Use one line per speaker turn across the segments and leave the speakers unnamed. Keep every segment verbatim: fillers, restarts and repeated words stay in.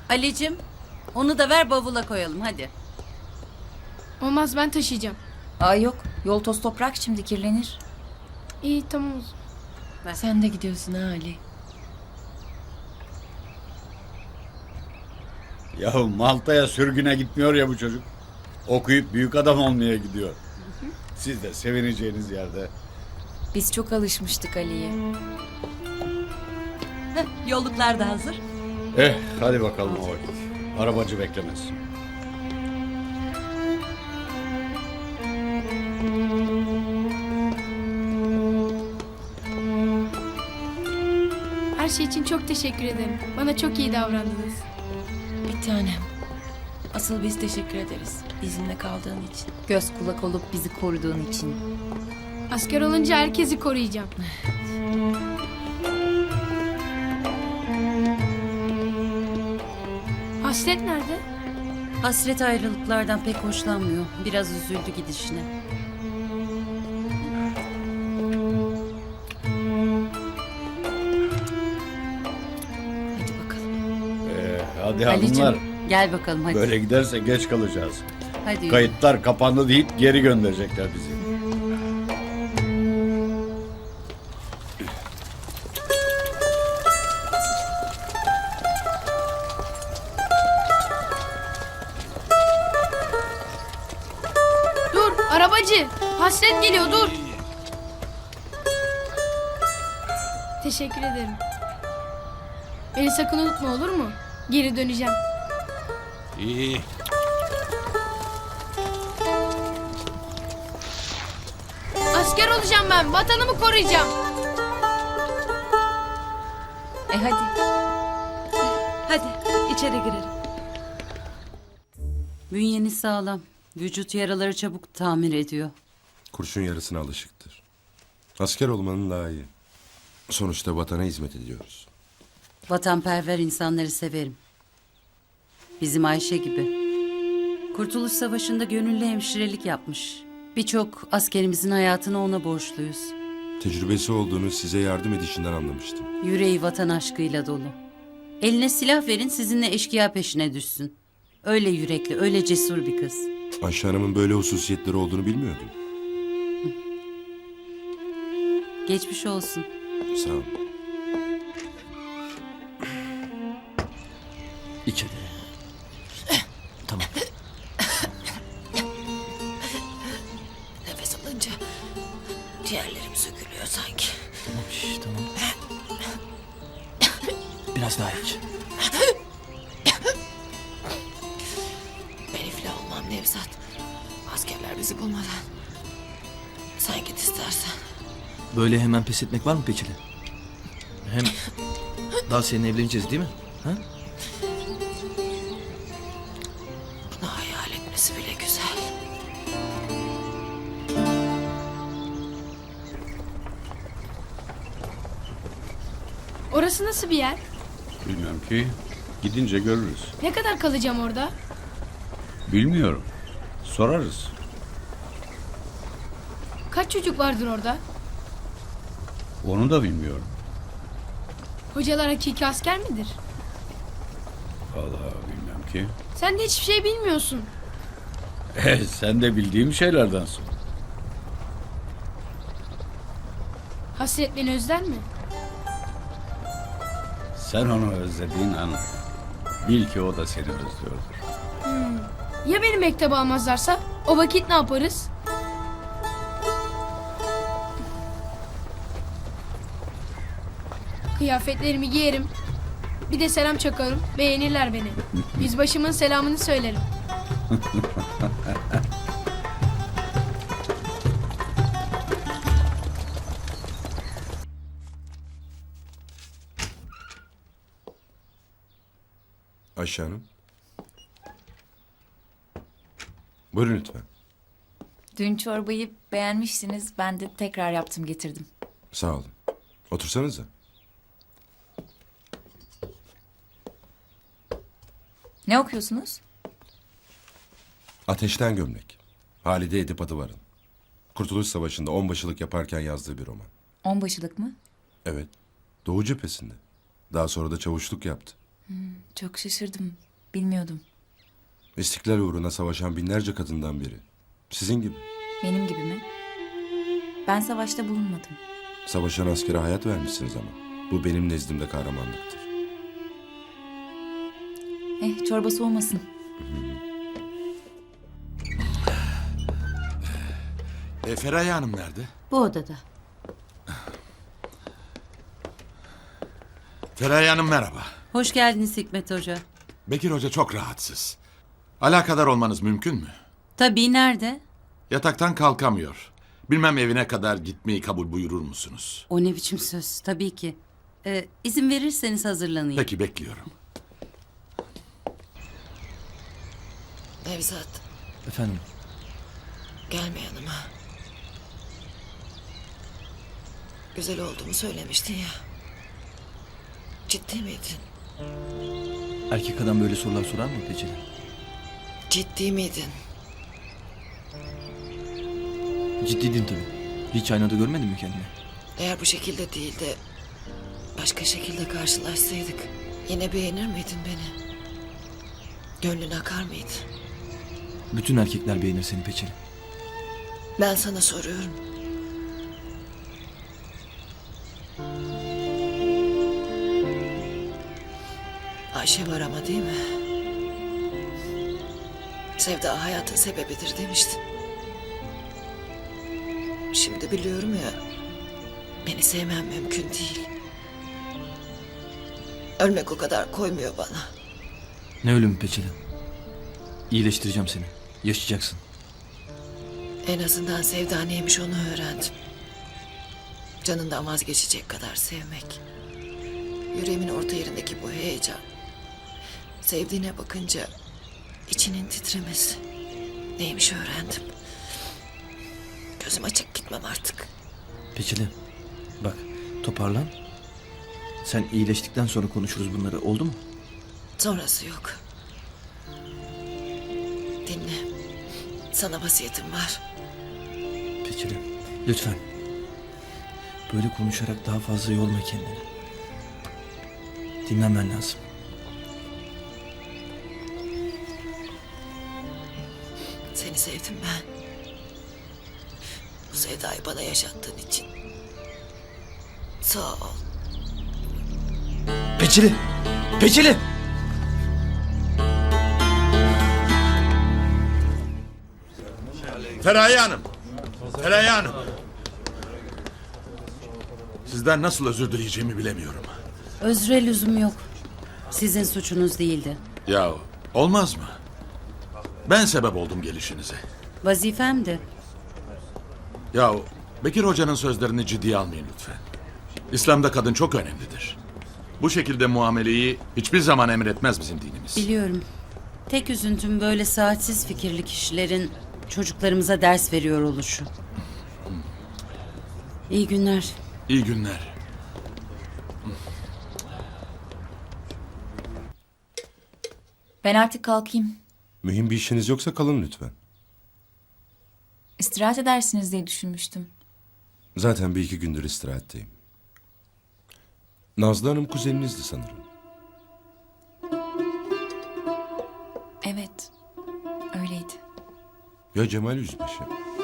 Ali'cim onu da ver bavula koyalım hadi.
Olmaz, ben taşıyacağım.
Aa yok. Yol toz toprak, şimdi kirlenir.
İyi, tamam o zaman.
Sen de gidiyorsun ha Ali.
Ya Malta'ya sürgüne gitmiyor ya bu çocuk. Okuyup büyük adam olmaya gidiyor. Siz de sevineceğiniz yerde.
Biz çok alışmıştık Ali'ye.
Yolluklar da hazır.
Eh hadi bakalım o vakit. Arabacı beklemez.
Her şey için çok teşekkür ederim. Bana çok iyi davrandınız.
Bir tanem. Asıl biz teşekkür ederiz. Bizimle kaldığın için. Göz kulak olup bizi koruduğun için.
Asker olunca herkesi koruyacağım. Hasret nerede?
Hasret ayrılıklardan pek hoşlanmıyor. Biraz üzüldü gidişine.
Hadi bakalım.
Eh, hadi
Ali'cim,
hanımlar.
Gel bakalım hadi.
Böyle giderse geç kalacağız.
Hadi.
Kayıtlar kapandı deyip geri gönderecekler bizi.
Dur, arabacı. Hasret geliyor, dur. Teşekkür ederim. Beni sakın unutma, olur mu? Geri döneceğim.
İyi.
Asker olacağım ben. Vatanımı koruyacağım.
E hadi.
Hadi içeri girelim. Bünyeniz sağlam. Vücut yaraları çabuk tamir ediyor.
Kurşun yarısına alışıktır. Asker olmanın daha iyi. Sonuçta vatana hizmet ediyoruz.
Vatanperver insanları severim. Bizim Ayşe gibi. Kurtuluş Savaşı'nda gönüllü hemşirelik yapmış. Birçok askerimizin hayatını ona borçluyuz.
Tecrübesi olduğunu size yardım edişinden anlamıştım.
Yüreği vatan aşkıyla dolu. Eline silah verin sizinle eşkıya peşine düşsün. Öyle yürekli, öyle cesur bir kız.
Ayşe Hanım'ın böyle hususiyetleri olduğunu bilmiyordum.
Geçmiş olsun.
Sağ olun.
İçeri. Tamam.
Nefes alınca ciğerlerim sökülüyor sanki.
Tamam, şş, tamam. Biraz daha iç.
Ben iflah olmam Nevzat. Askerler bizi bulmadan. Sen git istersen.
Böyle hemen pes etmek var mı peçeli? Hem daha seninle evleneceğiz değil mi? Ha?
Bunu hayal etmesi bile güzel.
Orası nasıl bir yer?
Bilmem ki. Gidince görürüz.
Ne kadar kalacağım orada?
Bilmiyorum. Sorarız.
Kaç çocuk vardır orada?
Onu da bilmiyorum.
Hocalar hakiki asker midir?
Vallahi bilmem ki.
Sen de hiçbir şey bilmiyorsun.
Eh, sen de bildiğim şeylerden sor.
Hasret beni özler mi?
Sen onu özlediğin an bil ki o da seni özlüyordur.
Ya beni mektebe almazlarsa? O vakit ne yaparız? Kıyafetlerimi giyerim. Bir de selam çakarım. Beğenirler beni. Yüzbaşımın selamını söylerim.
Ayşe Hanım. Buyurun lütfen.
Dün çorbayı beğenmişsiniz. Ben de tekrar yaptım getirdim.
Sağ olun. Otursanıza.
Ne okuyorsunuz?
Ateşten Gömlek. Halide Edip Adıvar'ın. Kurtuluş Savaşı'nda onbaşılık yaparken yazdığı bir roman.
Onbaşılık mı?
Evet. Doğu cephesinde. Daha sonra da çavuşluk yaptı.
Çok şaşırdım. Bilmiyordum.
İstiklal uğruna savaşan binlerce kadından biri. Sizin gibi.
Benim gibi mi? Ben savaşta bulunmadım.
Savaşan askere hayat vermişsiniz ama. Bu benim nezdimde kahramanlıktır.
Eh, çorba soğumasın.
E, Feraye Hanım nerede?
Bu odada.
Feraye Hanım merhaba.
Hoş geldiniz Hikmet Hoca.
Bekir Hoca çok rahatsız. Alakadar olmanız mümkün mü?
Tabii, nerede?
Yataktan kalkamıyor. Bilmem evine kadar gitmeyi kabul buyurur musunuz?
O ne biçim söz? Tabii ki. Ee, izin verirseniz hazırlanayım.
Peki bekliyorum.
Nevzat,
Efendim,
gelme yanıma. Güzel olduğumu söylemiştin ya. Ciddi miydin?
erkek adam böyle sorular sorar mı Peçeli?
Ciddi miydin?
Ciddiydim tabii. Hiç aynada görmedin mi kendini?
Eğer bu şekilde değil de başka şekilde karşılaşsaydık yine beğenir miydin beni? Gönlün akar mıydı?
Bütün erkekler beğenir seni Peçeli.
Ben sana soruyorum. Ayşe var ama değil mi? Sevda hayatın sebebidir demiştin. Şimdi biliyorum ya, beni sevmem mümkün değil. Ölmek o kadar koymuyor bana.
Ne ölümü Peçeli? İyileştireceğim seni. Yaşayacaksın.
En azından sevda neymiş onu öğrendim. Canından vazgeçecek kadar sevmek. Yüreğimin orta yerindeki bu heyecan. Sevdiğine bakınca içinin titremesi. Neymiş öğrendim. Gözüm açık gitmem artık.
Peçeli, bak toparlan. Sen iyileştikten sonra konuşuruz bunları, oldu mu?
Sonrası yok. Dinle. Sana vasiyetim var.
Peçeli, lütfen. Böyle konuşarak daha fazla yorma kendini. Dinlenmen lazım.
Seni sevdim ben. Bu sevdayı bana yaşattığın için. Sağ ol.
Peçeli! Peçeli!
Feraye Hanım! Feraye Hanım! Sizden nasıl özür dileyeceğimi bilemiyorum.
Özre lüzum yok. Sizin suçunuz değildi.
Ya olmaz mı? Ben sebep oldum gelişinize.
Vazifemdi.
Ya Bekir Hoca'nın sözlerini ciddiye almayın lütfen. İslam'da kadın çok önemlidir. Bu şekilde muameleyi hiçbir zaman emretmez bizim dinimiz.
Biliyorum. Tek üzüntüm böyle saatsiz fikirli kişilerin çocuklarımıza ders veriyor oluşu. İyi günler.
İyi günler.
Ben artık kalkayım.
Mühim bir işiniz yoksa kalın lütfen.
İstirahat edersiniz diye düşünmüştüm.
Zaten bir iki gündür istirahatteyim. Nazlı Hanım kuzeninizdi sanırım.
Evet, öyleydi.
Ya Cemal Yüzbaşı?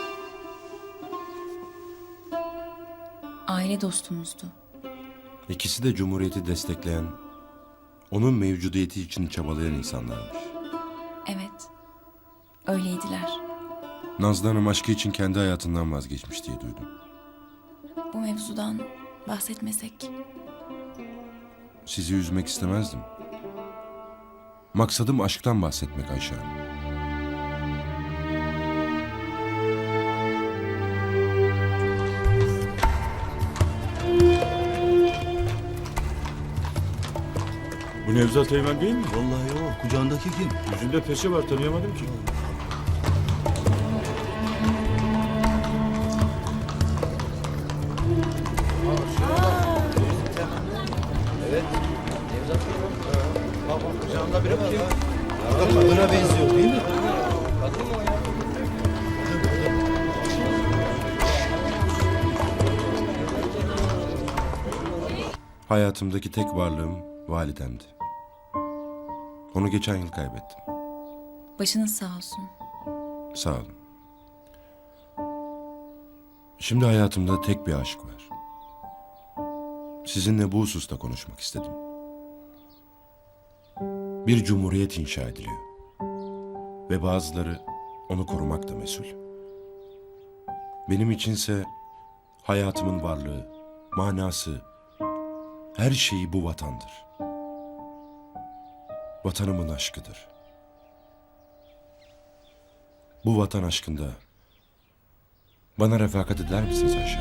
Aile dostumuzdu.
İkisi de Cumhuriyeti destekleyen, onun mevcudiyeti için çabalayan insanlarmış.
Evet, öyleydiler.
Nazlı Hanım aşkı için kendi hayatından vazgeçmiş diye duydum.
Bu mevzudan bahsetmesek.
Sizi üzmek istemezdim. Maksadım aşktan bahsetmek Ayşe Hanım.
Bu Nevzat Teğmen değil mi?
Vallahi o. Kucağındaki kim?
Yüzünde peçe var, tanıyamadım ki.
Kadına benziyor değil mi?
Hayatımdaki tek varlığım validemdi. Onu geçen yıl kaybettim.
Başınız sağ olsun.
Sağ olun. Şimdi hayatımda tek bir aşk var. Sizinle bu hususta konuşmak istedim. Bir cumhuriyet inşa ediliyor. Ve bazıları onu korumakla mesul. Benim içinse hayatımın varlığı, manası, her şeyi bu vatandır. Vatanımın aşkıdır. Bu vatan aşkında bana refakat eder misiniz Ayşe?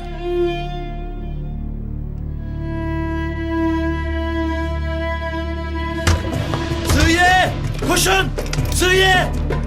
Sığıye! Koşun! Sığıye!